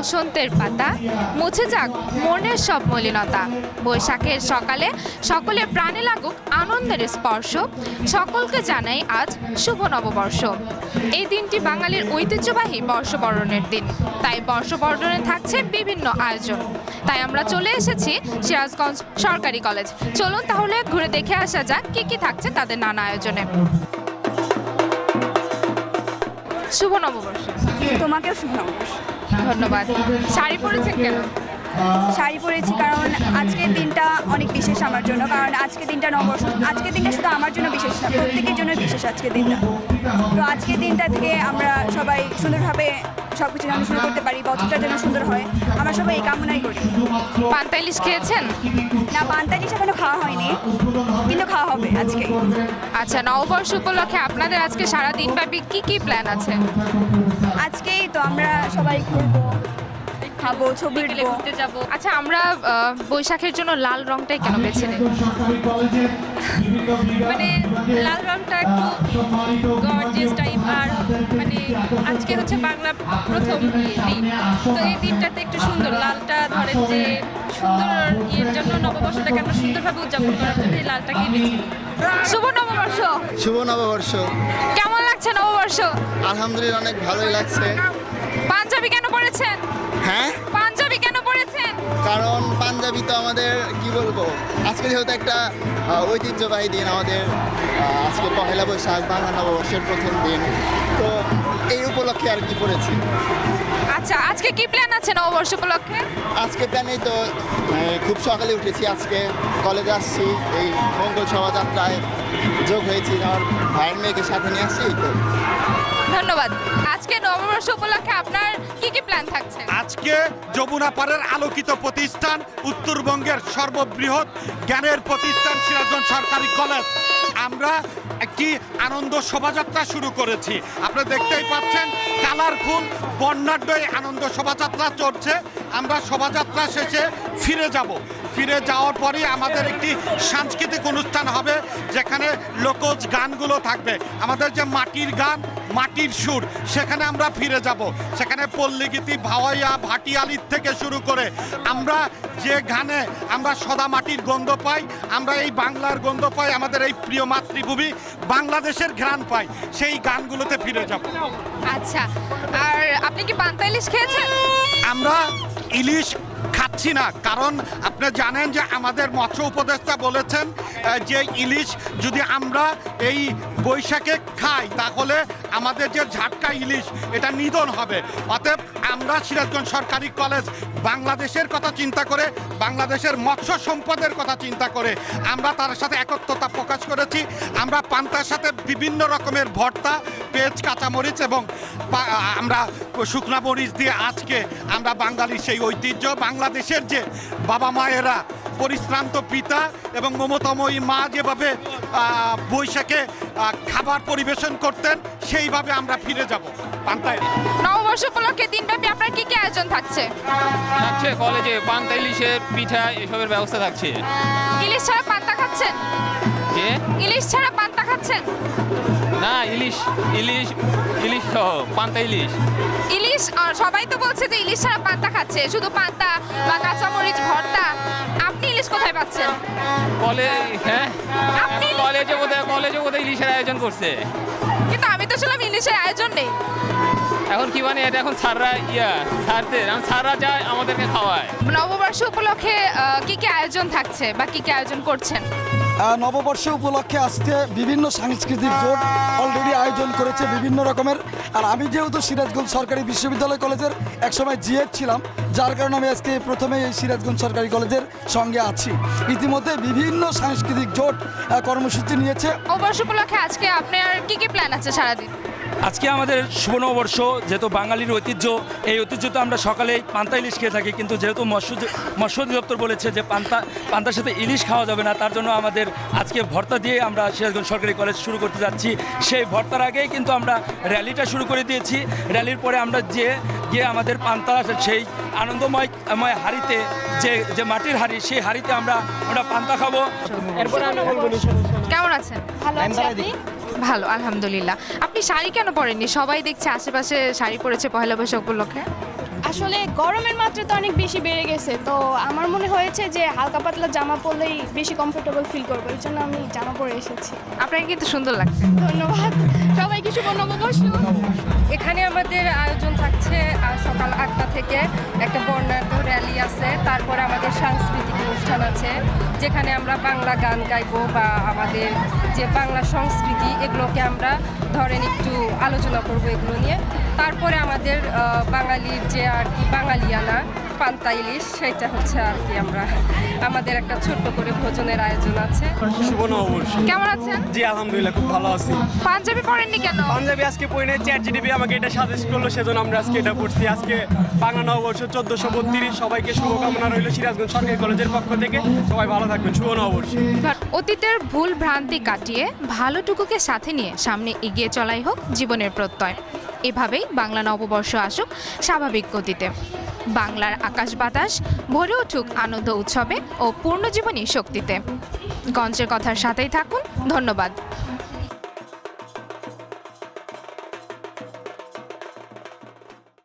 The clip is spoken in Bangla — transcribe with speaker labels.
Speaker 1: বসন্তের পাতা, মুছে যাক মনের সব মলিনতা। বৈশাখের সকালে সকলের প্রাণে লাগুক আনন্দের স্পর্শ, সকলকে জানাই আজ শুভ নববর্ষ। এই দিনটি বাঙালির ঐতিহ্যবাহী বর্ষবরণের দিন, তাই বর্ষবরণে থাকছে বিভিন্ন আয়োজন। তাই আমরা চলে এসেছি সিরাজগঞ্জ সরকারি কলেজ। চলুন তাহলে ঘুরে দেখে আসা যাক কি কি থাকছে তাদের নানা আয়োজনে। শুভ নববর্ষ।
Speaker 2: তোমাকেও শুভ নববর্ষ।
Speaker 1: ধন্যবাদ। শাড়ি পরেছেন কেন?
Speaker 2: শাড়ি পরেছি কারণ আজকের দিনটা অনেক বিশেষ আমার জন্য, কারণ আজকের দিনটা নববর্ষ। আজকের দিনটা শুধু আমার জন্য বিশেষ না, প্রত্যেকের জন্য বিশেষ আজকের দিনটা। তো আজকের দিনটা থেকে আমরা সবাই সুন্দরভাবে সব কিছু যেন শুরু করতে পারি, বছরটা যেন সুন্দর হয়, আমরা সবাই এই কামনাই করি।
Speaker 1: পান্তা ইলিশ খেয়েছেন?
Speaker 2: না, পান্তা ইলিশ এখনো খাওয়া হয়নি, কিন্তু খাওয়া হবে আজকে।
Speaker 1: আচ্ছা, নববর্ষ উপলক্ষে আপনাদের আজকে সারা দিন ব্যাপী কি কি প্ল্যান আছে?
Speaker 2: আজকেই তো আমরা সবাই ঘুরবো, খাবো, ছবি
Speaker 1: ঘুরতে যাব। আচ্ছা, আমরা বৈশাখের জন্য লাল রংটাই কেন বেছে নেব?
Speaker 3: মানে লাল রংটা একটু গর্জিয়াস টাইপ, আর মানে আজকে হচ্ছে বাংলা প্রথম দিন, তো এই দিনটাতে একটু সুন্দর লালটা ধরেন যে সুন্দর ইয়ের জন্য নববর্ষটাকে আমরা সুন্দরভাবে উদযাপন করার জন্য এই লালটাকে বেছে নিই।
Speaker 1: শুভ নববর্ষ।
Speaker 4: শুভ নববর্ষ।
Speaker 1: কেমন লাগছে নববর্ষ?
Speaker 4: আলহামদুলিল্লাহ অনেক ভালোই লাগছে।
Speaker 1: পাঞ্জাবি কেন পরেছেন?
Speaker 4: হ্যাঁ,
Speaker 1: পাঞ্জাবি কেন পরেছেন?
Speaker 4: কারণ পাঞ্জাবি তো আমাদের কি বলবো, আজকে যেহেতু একটা ঐতিহ্যবাহী দিন আমাদের, আজকে পহেলা বৈশাখ বাংলা নববর্ষের প্রথম দিন, তো এই উপলক্ষে আর কি পড়েছি।
Speaker 1: আচ্ছা, আজকে কি প্ল্যান আছে নববর্ষ উপলক্ষে?
Speaker 4: আজকে প্ল্যানেই তো খুব সকালে উঠেছি, আজকে কলেজে আসছি, এই মঙ্গল শোভাযাত্রায় যোগ হয়েছি, আমার ভাইয়ের মেয়েকে সাথে নিয়ে আসছি। তো
Speaker 1: ধন্যবাদ। আজকে নববর্ষ উপলক্ষে আপনার কি কি প্ল্যান থাকছে?
Speaker 5: আজকে যমুনা পাড়ের আলোকিত প্রতিষ্ঠান, উত্তরবঙ্গের সর্ববৃহৎ জ্ঞানের প্রতিষ্ঠান সিরাজগঞ্জ সরকারি কলেজ, আমরা একটি আনন্দ শোভাযাত্রা শুরু করেছি। আপনারা দেখতেই পাচ্ছেন কালারফুল বর্ণাঢ্য এই আনন্দ শোভাযাত্রা চলছে। আমরা শোভাযাত্রা শেষে ফিরে যাওয়ার পরেই আমাদের একটি সাংস্কৃতিক অনুষ্ঠান হবে, যেখানে লোকজ গানগুলো থাকবে, আমাদের যে মাটির গান, মাটির সুর, সেখানে আমরা ফিরে যাব। সেখানে পল্লীগীতি, ভাওয়াইয়া, ভাটিয়ালির থেকে শুরু করে আমরা যে গানে আমরা সদা মাটির গন্ধ পাই, আমরা এই বাংলার গন্ধ পাই, আমাদের এই প্রিয় মাতৃভূমি বাংলাদেশের ঘ্রাণ পাই, সেই গানগুলোতে ফিরে যাব।
Speaker 1: আচ্ছা, আর আপনি কি পান্তা ইলিশ খেয়েছেন?
Speaker 5: আমরা ইলিশ খাচ্ছি না, কারণ আপনি জানেন যে আমাদের মৎস্য উপদেষ্টা বলেছেন যে ইলিশ যদি আমরা এই বৈশাখে খাই তাহলে আমাদের যে ঝাটকা ইলিশ এটা নিধন হবে। অতএব আমরা সিরাজগঞ্জ সরকারি কলেজ বাংলাদেশের কথা চিন্তা করে, বাংলাদেশের মৎস্য সম্পদের কথা চিন্তা করে আমরা তার সাথে একত্রতা প্রকাশ করেছি। আমরা পান্তার সাথে বিভিন্ন রকমের ভর্তা, পেঁয়াজ, কাঁচামরিচ এবং আমরা শুকনা মরিচ দিয়ে আজকে আমরা বাঙালির সেই ঐতিহ্য, বাংলাদেশের যে বাবা মায়েরা, পরিশ্রান্ত পিতা এবং মমতাময়ী মা যেভাবে বৈশাখে খাবার পরিবেশন করতেন, সেইভাবে আমরা ফিরে যাব পান্তায়।
Speaker 1: নববর্ষ উপলক্ষে দিনব্যাপী আপনার কি কি আয়োজন থাকছে?
Speaker 6: কলেজে পান্তা ইলিশের পিঠা এসবের ব্যবস্থা থাকছে।
Speaker 1: ইলিশ ছাড়া পান্তা খাচ্ছেন?
Speaker 6: যে
Speaker 1: ইলিশ ছাড়া পান্তা খাচ্ছেন?
Speaker 6: না, ইলিশ ইলিশ ইলিশ সহ পান্তা ইলিশ।
Speaker 1: ইলিশ, সবাই তো বলছে যে ইলিশ ছাড়া পান্তা খাচ্ছে, শুধু পান্তা বা কাঁচামরিচ ভর্তা। আপনি ইলিশ কোথায় পাচ্ছেন?
Speaker 6: হ্যাঁ,
Speaker 1: আপনি
Speaker 6: কলেজে বোধহয় ইলিশের আয়োজন করছে।
Speaker 1: কিন্তু আমি তো শুনলাম ইলিশের আয়োজন নেই।
Speaker 6: এখন কি মানে এটা এখন স্যাররা যায় আমাদেরকে খাওয়ায়।
Speaker 1: নববর্ষ উপলক্ষে কি কি আয়োজন থাকছে বা কি কি আয়োজন করছেন?
Speaker 7: নববর্ষ উপলক্ষে আজকে বিভিন্ন সাংস্কৃতিক জোট অলরেডি আয়োজন করেছে বিভিন্ন রকমের। আর আমি যেহেতু সিরাজগঞ্জ সরকারি বিশ্ববিদ্যালয় কলেজের একসময় জিএড ছিলাম, যার কারণে আমি আজকে প্রথমে এই সিরাজগঞ্জ সরকারি কলেজের সঙ্গে আছি। ইতিমধ্যে বিভিন্ন সাংস্কৃতিক জোট কর্মসূচি নিয়েছে।
Speaker 1: নববর্ষ উপলক্ষে আজকে আপনার কি কি প্ল্যান আছে সারাদিন?
Speaker 8: আজকে আমাদের শুভ নববর্ষ, যেহেতু বাঙালির ঐতিহ্য, এই ঐতিহ্য তো আমরা সকালেই পান্তা ইলিশ খেয়ে থাকি, কিন্তু যেহেতু মৎস্য অধিদপ্তর বলেছে যে পান্তার সাথে ইলিশ খাওয়া যাবে না, তার জন্য আমাদের আজকে ভর্তা দিয়ে আমরা সিরাজগঞ্জ সরকারি কলেজ শুরু করতে যাচ্ছি। সেই ভর্তার আগেই কিন্তু আমরা র্যালিটা শুরু করে দিয়েছি। র্যালির পরে আমরা গিয়ে আমাদের পান্তা, সেই আনন্দময় হাঁড়িতে, যে মাটির হাঁড়ি, সেই হাঁড়িতে আমরা পান্তা খাবো।
Speaker 1: কেমন আছেন?
Speaker 2: ভালো আছি, আপনি?
Speaker 1: ভালো, আলহামদুলিল্লাহ। আপনি শাড়ি কেন পরেননি? সবাই দেখছে আশেপাশে শাড়ি পরেছে পহেলা বৈশাখ উপলক্ষে।
Speaker 9: আসলে গরমের মাত্রা তো অনেক বেশি বেড়ে গেছে, তো আমার মনে হয়েছে যে হালকা পাতলা জামা পরলেই বেশি কমফোর্টেবল ফিল করবো, এই জন্য আমি জামা পরে এসেছি।
Speaker 1: আপনাকে কিন্তু সুন্দর লাগছে।
Speaker 9: ধন্যবাদ সবাইকে, শুভ নববর্ষ।
Speaker 3: এখানে আমাদের আয়োজন থাকছে সকাল 8টা থেকে একটা বর্ণাঢ্য র্যালি আছে, তারপরে আমাদের সাংস্কৃতিক অনুষ্ঠান আছে যেখানে আমরা বাংলা গান গাইবো বা আমাদের যে বাংলা সংস্কৃতি এগুলোকে আমরা ধরেন একটু আলোচনা করব এগুলো নিয়ে। তারপরে আমাদের বাঙালির যে আর কি বাঙালিয়ানা পান্তা ইলিশ, সেটা হচ্ছে আর কি আমাদের একটা ছোট্ট করে ভোজনের আয়োজন আছে।
Speaker 10: শুভ নববর্ষ।
Speaker 1: কেমন আছেন?
Speaker 10: জি আলহামদুলিল্লাহ, খুব ভালো আছি।
Speaker 1: পাঞ্জাবি পরেননি কেন?
Speaker 10: পাঞ্জাবি আজকে পরে নেই, চ্যাটজিটিপি আমাকে এটা সাজেস্ট করলো, সেজন্য আমরা আজকে এটা পড়ছি। আজকে বাংলা নববর্ষ 1432, সবাইকে শুভকামনা রইল সিরাজগঞ্জ সরকারি কলেজের পক্ষ থেকে। সবাই ভালো থাকবেন, শুভ নববর্ষ।
Speaker 1: অতীতের ভুল ভ্রান্তি কাটিয়ে ভালোটুকুকে সাথে নিয়ে সামনে এগিয়ে চলাই হোক জীবনের প্রত্যয়। এভাবেই বাংলা নববর্ষ আসুক স্বাভাবিক গতিতে। বাংলার আকাশ বাতাস ভরে উঠুক আনন্দ উৎসবে ও পূর্ণজীবনী শক্তিতে। গঞ্জের কথার সাথেই থাকুন। ধন্যবাদ।